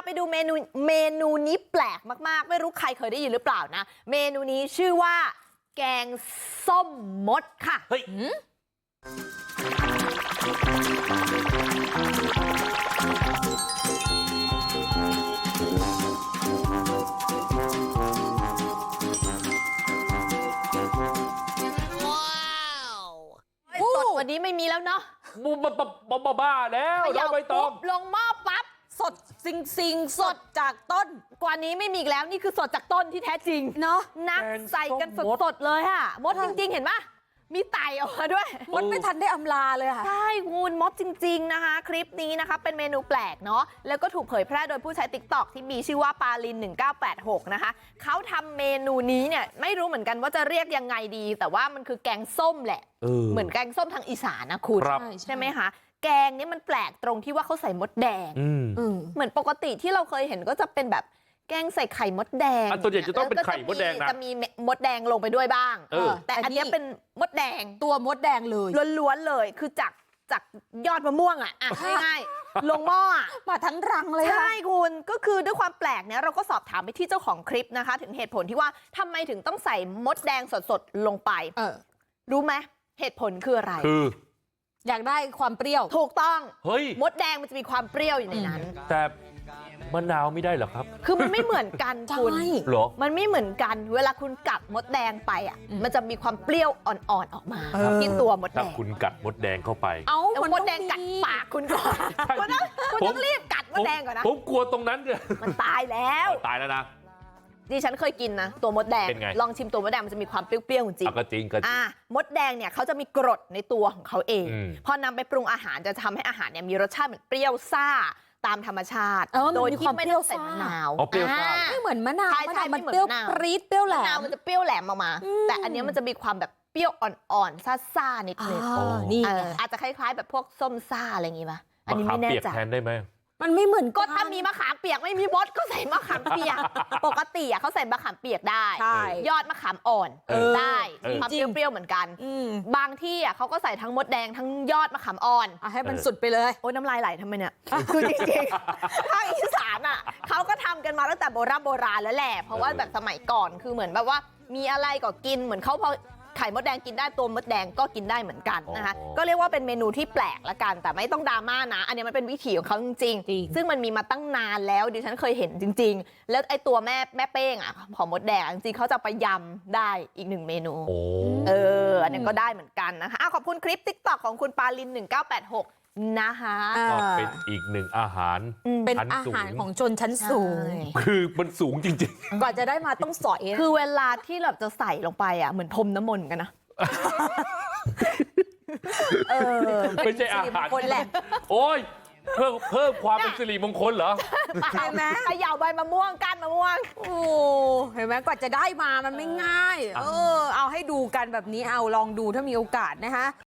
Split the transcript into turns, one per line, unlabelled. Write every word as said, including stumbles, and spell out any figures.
ดูเมนูเมนูนี้แปลกมากๆไม่รู้ใครเคยได้ยินหรือเปล่านะเมนูนี้ชื่อว่าแกงส้มมดค่ะเฮ้ยสดกว่านี้ไม่มีแล้วเนาะ
บูบ้าบ้าบ้าแล้วเราไปตอง
ลงหม้อปั๊บ
สดซิงซิงสดจากต้น
กว่านี้ไม่มีอีกแล้วนี่คือสดจากต้นที่แท้จริง
เนาะ
นักใส่กันสดๆเลยค่ะมดจริงๆเห็นปะมีไต่ออกมาด้วย
มดไม่ทันได้อำลาเลยค่ะ
ใช่คุณมดจริงๆนะคะคลิปนี้นะคะเป็นเมนูแปลกเนาะแล้วก็ถูกเผยแพร่โดยผู้ใช้ ติ๊กต็อก ที่มีชื่อว่าปาลินหนึ่งเก้าแปดหกนะคะเขาทำเมนูนี้เนี่ยไม่รู้เหมือนกันว่าจะเรียกยังไงดีแต่ว่ามันคือแกงส้มแหละเหมือนแกงส้มทางอีสานนะคุณใช่ไหมคะแกงนี้มันแปลกตรงที่ว่าเขาใส่มดแดงเหมือนปกติที่เราเคยเห็นก็จะเป็นแบบแกงใส่ไข่มดแดง
ตัวใหญ่จะต้องเป็นไข่มดแดงนะ
จะมีมดแดงลงไปด้วยบ้างแต่อันนี้เป็นมดแดง
ตัวมดแดงเลย
ล้วนๆเลยคือจากจากยอดมะม่วงอ่ะง่ายๆลงหม้อ
มาทั้งรังเลย
ใช่คุณก็คือด้วยความแปลกเนี่ยเราก็สอบถามไปที่เจ้าของคลิปนะคะถึงเหตุผลที่ว่าทำไมถึงต้องใส่มดแดงสดๆลงไปรู้ไหมเหตุผลคืออะไร
คือ
อยากได้ความเปรี้ยว
ถูกต้อง
เฮ้ย
มดแดงมันจะมีความเปรี้ยวอยู่ในนั้น
แต่มะนาวไม่ได้เหรอครับ
คือมันไม่เหมือนกันคุณ
หรอ
มันไม่เหมือนกันเวลาคุณกัดมดแดงไปอ่ะมันจะมีความเปรี้ยวอ่อนๆออกมาที่ตัวมดแดง
ถ้าคุณกัดมดแดงเข้าไป
เอ้ามดแดงกัดปากคุณก่อนคุณต้องคุณต้องรีบกัดมดแดงก่อนนะ
ผมกลัวตรงนั้นเลย
มันตายแล้ว
ตายแล้วนะ
ดิฉันเคยกินนะตัวมดแดงลองชิมตัวมดแดงมันจะมีความเปรี้ยวๆจริง
ก็จริงก็จริง
อ่ามดแดงเนี่ยเขาจะมีกรดในตัวของเขาเองพอนำไปปรุงอาหารจะทำให้อาหารเนี่ยมีรสชาติเหมือนเปรี้ยวซ่าตามธรรมชาติโดยที่ไม่ต้องใส่มะนาว
เปรี้ยวซ่า
ไม่เหมือนมะนาว
ใช่
มันเปรี้ยวปรี๊ดเปรี้ยวแหลม
มะนาวมันจะเปรี้ยวแหลมออกมาแต่อันนี้มันจะมีความแบบเปรี้ยวอ่อนๆซ่าๆนิดนึง
นี่
อาจจะคล้ายๆแบบพวกส้มซ่าอะไรอย่างงี้ป่ะอันนี้ไม่แน่ใจ
แทนได้ไหม
มันไม่เหมือน
ก็ถ้ามีมะขามเปียกไม่มีมดก็ใส่มะขามเปียกปกติอ่ะเขาใส่มะขามเปียกได้ยอดมะขามอ่อนได้ความเปรี้ยวๆเหมือนกันบางที่อ่ะเขาก็ใส่ทั้งมดแดงทั้งยอดมะขามอ่อน
ให้มันสุดไปเลย
โอ้ยน้ำลายไหลทำไมเนี่ยคือจริงๆภาคอีสานอ่ะเขาก็ทำกันมาตั้งแต่โบราณโบราณแล้วแหละเพราะว่าแบบสมัยก่อนคือเหมือนแบบว่ามีอะไรก็กินเหมือนเขาพอไข่มดแดงกินได้ตัวมดแดงก็กินได้เหมือนกันนะคะก็เรียกว่าเป็นเมนูที่แปลกละกันแต่ไม่ต้องดราม่านะอันนี้มันเป็นวิถีของเขาจริงๆซึ่งมันมีมาตั้งนานแล้วดิฉันเคยเห็นจริงๆแล้วไอ้ตัวแม่แม่เป้งอ่ะของมดแดงจริงๆเขาจะไปยำได้อีกหนึ่งเมนูเอออันนี้ก็ได้เหมือนกันนะคะขอบคุณคลิป ติ๊กต็อก ของคุณปาลินหนึ่งเก้าแปดหกนะคะ
ก็เป็นอีกหนึ่งอาหาร
เป็นอาหารของชนชั้นสูง
คือมันสูงจริง
ๆกว่าจะได้มาต้องสอย
คือเวลาที่เราจะใส่ลงไปอ่ะเหมือนพรมน้ำมนต์กันนะ
เออไม่ใช่อาหารคนแหละโอ้ยเพิ่มเพิ่มความเป็นสิริมงคลเหรอ
เห็นไหมเขย่าใบมะม่วงก้านมะม่วง
โอ้เห็นไหมกว่าจะได้มามันไม่ง่ายเออเอาให้ดูกันแบบนี้เอาลองดูถ้ามีโอกาสนะคะ